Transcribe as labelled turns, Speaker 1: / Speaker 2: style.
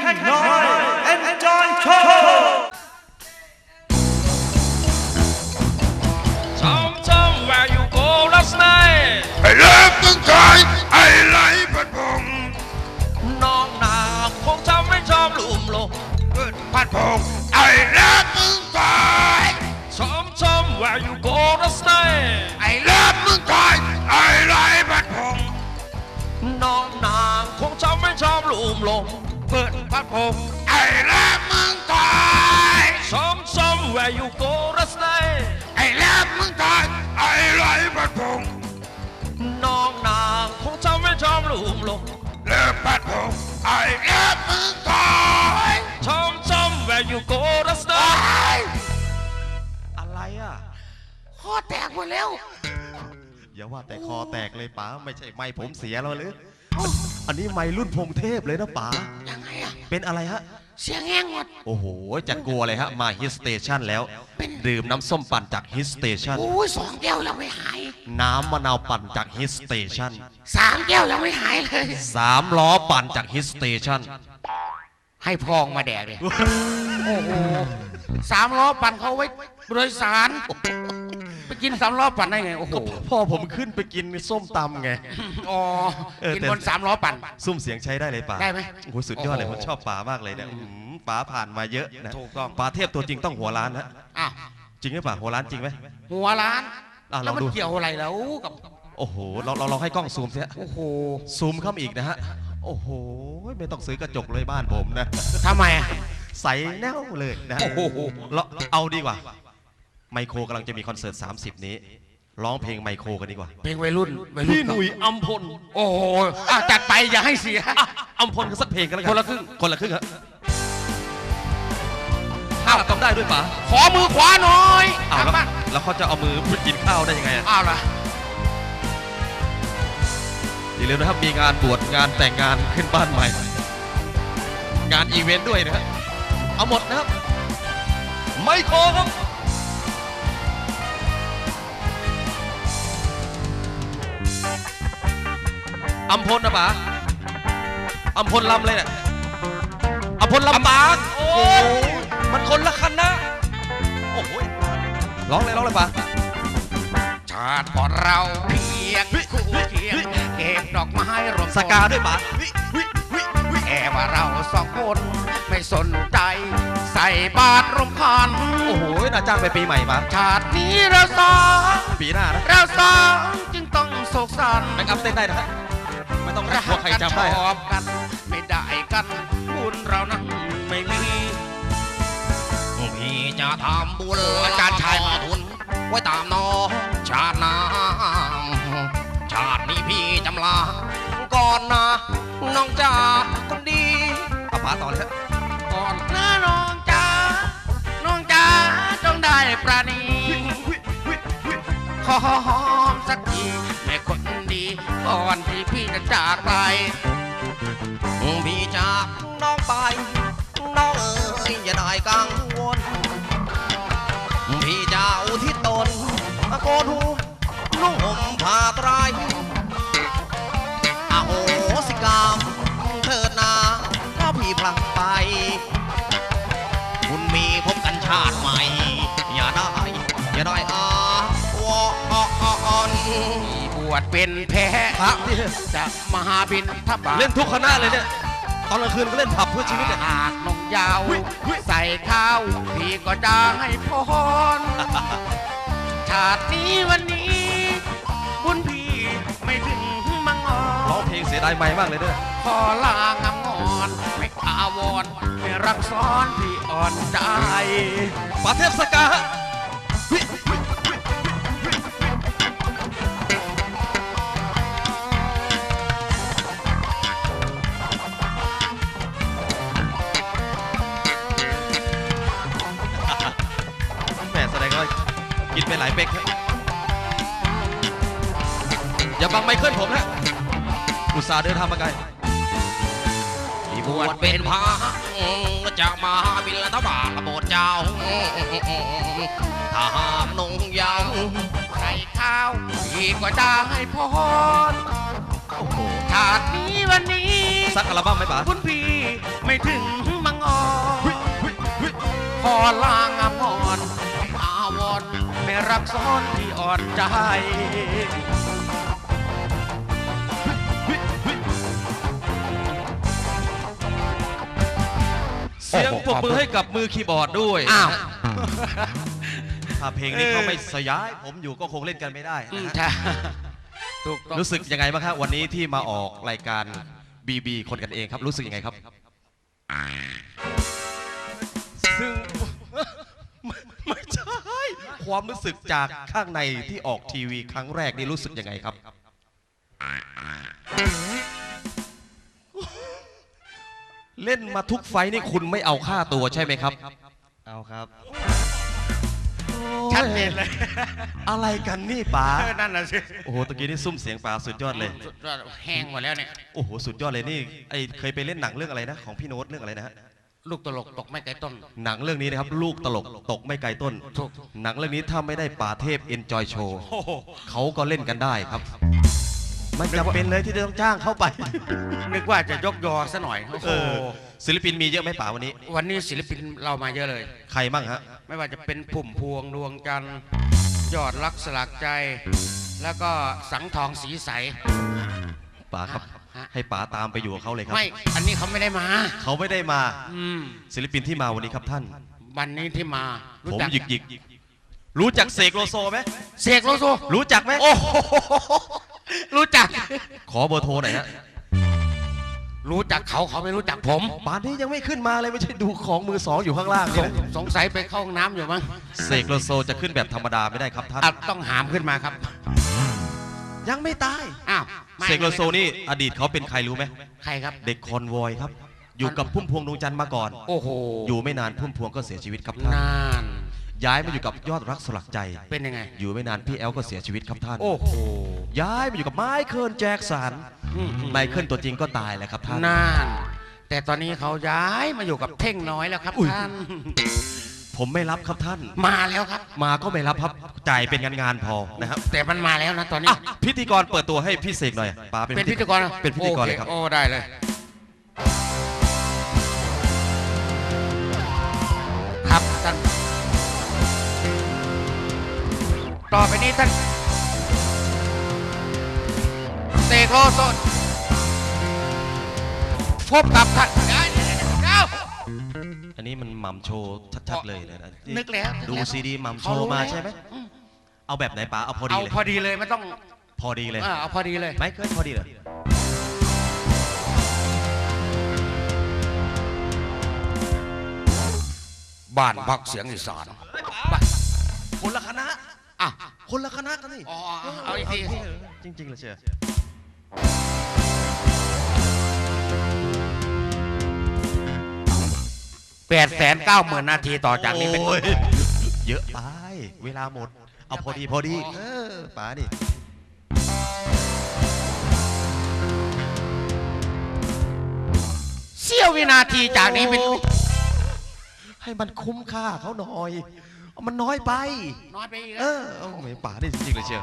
Speaker 1: น้อย Enjoy Show
Speaker 2: Where you go last night
Speaker 3: ไอ้เลิฟมึงคอยไอ้ไหลพัดพง
Speaker 2: น้องนาคงจำไม่ชอบลุ่มลง
Speaker 3: พัดพงไอ้เลิฟมึงคอย
Speaker 2: Where you go last night
Speaker 3: ไอ้เลิฟมึงคอยไอ้ไหลพัดพง
Speaker 2: น้องนาคงจำไม่ชอบลุ่มลงเปิดพัดพง
Speaker 3: ไอ้เลิฟมึงคอย
Speaker 2: Where you go last night
Speaker 3: ไอ้เลิฟมึงคอยไอ้ไหลพัดพง
Speaker 2: น้องนาคงจำไม่ชอบลุ่มลง
Speaker 3: เลิฟพัดพงไอ้เลิฟมึงคอย
Speaker 2: Where you go last night อะไรอ่ะ
Speaker 3: คอแตกหมดแล้ว
Speaker 1: อย่าว่าแต่คอแตกเลยป๋าไม่ใช่ไม้ผมเสียแล้วหรืออันนี้ไม้รุ่นพงเทพเลยนะป๋า
Speaker 3: ยังไงอะ
Speaker 1: เป็นอะไรฮะ
Speaker 3: เสียงแห้งหมด
Speaker 1: โอ้โหจัดกลัวเลยฮะมาฮิตสเตชันแล้วดื่มน้ำส้มปั่นจากฮิตสเตชัน
Speaker 3: โอ้ย2 แก้วยังไม่หาย
Speaker 1: น้ำมะนาวปั่นจากฮิตสเตชัน
Speaker 3: 3 แก้วยังไม่หายเลย
Speaker 1: 3 ล้อปั่นจากฮิตสเตชัน
Speaker 3: ให้พองมาแดกเลยโอ้โห3 ล้อปั่นเขาไว้โดยสารไปกิน3 ล้อปั่นได้ไงโอ้โห
Speaker 1: พ่อผมขึ้นไปกินส้มตำไง
Speaker 3: อ๋อกินบน3 ล้อปั่น
Speaker 1: ซุ้มเสียงใช้ได้เลยป่ะ
Speaker 3: ได้ไหม
Speaker 1: โอ้โหสุดยอดเลยผมชอบป๋ามากเลยเนี่ยป๋าผ่านมาเยอะนะถูกต้องป๋าเทพตัวจริงต้องหัวล้านนะ
Speaker 3: อ้าว
Speaker 1: จริงไหมป๋าหัวล้านจริงไหม
Speaker 3: หัวล้านแล้วมันเกี่ยวอะไรแล้วกับ
Speaker 1: โอ้โหเราให้กล้องซูมเสีย
Speaker 3: โอ้โห
Speaker 1: ซูมเข้าอีกนะฮะโอ้โหไม่ต้องซื้อกระจกเลยบ้านผมนะ
Speaker 3: ทำไม
Speaker 1: ใสแน่วเลยนะโอ้โหเราเอาดีกว่าไมโครกำลังจะมีคอนเสิร์ต30นี้ร้องเพลงไมโครกันดีกว่า
Speaker 3: เพลงวัยรุ่น
Speaker 1: พี่หนุ่ยอัมพล
Speaker 3: โอ้โหจัดไปอย่าให้เสีย
Speaker 1: อัมพลกันสักเพลงกันแล้วกัน
Speaker 3: คนละครึ่ง
Speaker 1: ฮะข้าวทำได้ด้วยป๋า
Speaker 3: ขอมือขวาหน่อย
Speaker 1: แล้วเขาจะเอามือไปกินข้าวได้ยังไง
Speaker 3: อ้าวล่ะ
Speaker 1: อย่าลืมนะครับมีงานบวชงานแต่งงานขึ้นบ้านใหม่งานอีเวนต์ด้วยนะฮะเอาหมดนะครับไมโครครับอัมพลนะป๋าอัมพลลำเลยเนี่ยอัมพลลำปางโอ้มันคนละคันนะโอ้โหร้องเลยป๋า
Speaker 3: ชาติก่อนเราเพียงคู่เคียงเก็บดอกไม้รวม
Speaker 1: สกาด้วยป๋า
Speaker 3: แอบว่าเรา2 คนไม่สนใจใส่บาตรรมคัน
Speaker 1: โอ้โหน่าจ้างไปปีใหม่ป๋า
Speaker 3: ชาตินี้เรา2
Speaker 1: ปีหน้านะ
Speaker 3: เรา2จึงต้องโศกสัน
Speaker 1: แบ็กอัพเต้นได้นะฮะไม่ต้องรักใครจำได้
Speaker 3: ชอบกันไม่ได้กันบุญเรานั้นไม่มีพี่จะทำบุญอาจารย์ชายมาทุนไว้ตามน้องชาติน้ำชาตินี้พี่จำลาก่อนนะน้องจ๋าคนดี
Speaker 1: เอาป๋าต่อเลยฮะ
Speaker 3: ก่อนนะน้องจ๋าจงได้ประณีขอหอมสักทีแม่คนดีก่อนที่พี่จะจากไป
Speaker 1: พี่จากน้องไปน้องอย่าได้กังวลพี่จะอุทิศตนโกนหูนุ่งห่มผ้าไตรอโหสิกรรมเถิดนาก็พี่พลังไปคุณมีพบกันชาติใหม่อย่าได้
Speaker 3: บวชเป็นแพ้จะมหาบินทับ
Speaker 1: เล่นทุกคณะเลยเนี่ยตอนกลางคืนก็เล่นผับเพื่อชีวิต
Speaker 3: หากนงยาวใส่ข้าวพี่ก็จะให้พรชาตินี้วันนี้บุญพี่ไม่ถึงมังงอน
Speaker 1: ร้องเพลงเสียดายไม่มากเลยด้วย
Speaker 3: ขอลางามงอนไม่อาวรไม่รักซ้อนพี่อ่อนใจ
Speaker 1: ป๋าเทพสกากินไปหลายเป๊กอย่าบังไมเคิลผมนะอุตส่าห์เดินทางมาไกล
Speaker 3: บวชเป็นพระจะมาบิณฑบาตโบสถ์เจ้าถ้าหากนงยาวใส่ข้าวพี่ก็จะให้พรชาตินี้วันนี้
Speaker 1: สักอัลบั้มไหมป๋า
Speaker 3: คุณพี่ไม่ถึงมังออนขอลางอามอนอาวรไม่รักซ้อนที่อ่อนใจ
Speaker 1: เสียงปรบมือให้กับมือคีย์บอร์ดด้วย
Speaker 3: อ้าว
Speaker 1: ถ้าเพลงนี้เขาไม่สยายผมอยู่ก็คงเล่นกันไม่ได้นะฮะ
Speaker 3: ใช่ถูกต้อง
Speaker 1: รู้สึกยังไงบ้างครับวันนี้ที่มาออกรายการบีคนกันเองครับรู้สึกยังไงครับซึ่ง ไม่ใช่ความรู้สึกจากข้างในที่ออกทีวีครั้งแรกนี่รู้สึกยังไงครับเล่นมาทุกไฟท์นี่คุณไม่เอาค่าตัวใช่ไหมครับเอาครับ
Speaker 3: ชัดเจนเลย
Speaker 1: อะไรกันนี่ป๋า
Speaker 3: นั่นน่ะสิ
Speaker 1: โอ้โหตะกี้นี่ซุ่มเสียงป๋าสุดยอดเลย
Speaker 3: แห้งหมดแล้วเนี่ย
Speaker 1: โอ้โหสุดยอดเลยนี่ไอเคยไปเล่นหนังเรื่องอะไรนะของพี่โน้ตเรื่องอะไรนะฮะ
Speaker 3: ลูกตลกตกไม่ไกลต้น
Speaker 1: หนังเรื่องนี้นะครับลูกตลกตกไม่ไกลต้น
Speaker 3: ถูก
Speaker 1: หนังเรื่องนี้ถ้าไม่ได้ป่าเทพ Enjoy Show เขาก็เล่นกันได้ครับไม่จำเป็นเลยที่จะต้องจ้างเข้าไป
Speaker 3: นึกว่าจะยกยอซะหน่อยโอ้โห
Speaker 1: ศิลปินมีเยอะไหมป๋าวันนี้
Speaker 3: วันนี้ศิลปินเรามาเยอะเลย
Speaker 1: ใครบ้างฮะ
Speaker 3: ไม่ว่าจะเป็นพุ่มพวงดวงจันทร์ยอดรักสลักใจ แล้วก็สังทองสีใส
Speaker 1: ป๋าครับ
Speaker 3: ฮะ
Speaker 1: ให้ป๋าตามไปอยู่กับเขาเลยครับ
Speaker 3: ไม่ อันนี้เขาไม่ได้มา
Speaker 1: เขาไม่ได้มา
Speaker 3: อืม
Speaker 1: ศิลปินที่มาวันนี้ครับท่าน
Speaker 3: วันนี้ที่มา
Speaker 1: ผ
Speaker 3: รู้
Speaker 1: ม
Speaker 3: จัก
Speaker 1: หยิกหยิกรู้จักเสกโลโซไหม
Speaker 3: เสกโลโซ
Speaker 1: รู้จักไหม
Speaker 3: โอ้โหรู้จัก
Speaker 1: ขอเบอร์โทรหน่อยฮะ
Speaker 3: รู้จักเขาไม่รู้จักผม
Speaker 1: ป่านนี้ยังไม่ขึ้นมาเลยไม่ใช่ดูของมือสองอยู่ข้างล่างเลยนะ
Speaker 3: สงสัยไปเข้าห้องน้ำอยู่มั้ง
Speaker 1: เสกโลโซจะขึ้นแบบธรรมดาไม่ได้ครับท่าน
Speaker 3: อ่ะต้องหามขึ้นมาครับ
Speaker 1: ยังไม่ตาย
Speaker 3: อ้าวไม่
Speaker 1: เสกโลโซนี่อดีตเขาเป็นใครรู้ไหม
Speaker 3: ใครครับ
Speaker 1: เด็กคอนวอยครับ อยู่กับพุ่มพวงดวงจันทร์มาก่อน
Speaker 3: โอ้โห
Speaker 1: อยู่ไม่นานพุ่มพวงก็เสียชีวิตครับท่าน
Speaker 3: นาน
Speaker 1: ย้ายมาอยู่กับยอดรักสลักใจ
Speaker 3: เป็นยังไง
Speaker 1: อยู่ไม่นานพี่แอลก็เสียชีวิตครับท่าน
Speaker 3: โอ้โห
Speaker 1: ย้ายมาอยู่กับไมเคิลแจ็คสันไมเคิลตัวจริงก็ตายแล้วครับท่าน
Speaker 3: นาน แต่ตอนนี้เขาย้ายมาอยู่กับเท่งน้อยแล้วครับ
Speaker 1: อุ๊ย
Speaker 3: ท่าน
Speaker 1: ผมไม่รับครับท่าน
Speaker 3: มาแล้วครับ
Speaker 1: มาก็ไม่รับครับจ่ายเป็นงานพอนะครับ
Speaker 3: แต่มันมาแล้วนะตอนนี้
Speaker 1: อ่ะพิธีกรเปิดตัวให้พี่เสกหน่อยป๋าเป็น
Speaker 3: เป็นพิธีกร
Speaker 1: เป็นพิธีกรเลยครับ
Speaker 3: โอโอ้ได้เลย ครับท่านต่อไปนี้ท่านเสกโลโซพบกับท่านเดี๋ยว
Speaker 1: อันนี้มันหม่ำโชว์ชัดๆเลยนะ
Speaker 3: นึกแล้ว
Speaker 1: ดูซีดีหม่ำโชว์มาใช่ไหมเอาแบบไหนป๋าเอาพอดี
Speaker 3: เอา
Speaker 1: เลย
Speaker 3: พอดีเลยไม่ต้อง
Speaker 1: พอดีเลย
Speaker 3: เอาพอดีเลย
Speaker 1: ไม่เกินพอดีเลย
Speaker 3: บ้านพักเสียงอีสาน
Speaker 1: คนละคณะ
Speaker 3: อ่ะ
Speaker 1: คนละคณะกันนี่
Speaker 3: อ๋อเอาอีกที
Speaker 1: จริงๆเลยเชียว
Speaker 3: 890,000 นาทีต่อจากนี้เป็น
Speaker 1: โอ้ยเยอะไปเวลาหมด เอาพอดีพอดีป๋าดิ
Speaker 3: เสี้ยววินาทีจากนี้เป็น
Speaker 1: ให้มันคุ้มค่าเขาหน่อย มันน้อยไป
Speaker 3: น้อยไปอีก
Speaker 1: เอาไม่ป๋าได้จริงๆเลยเชียว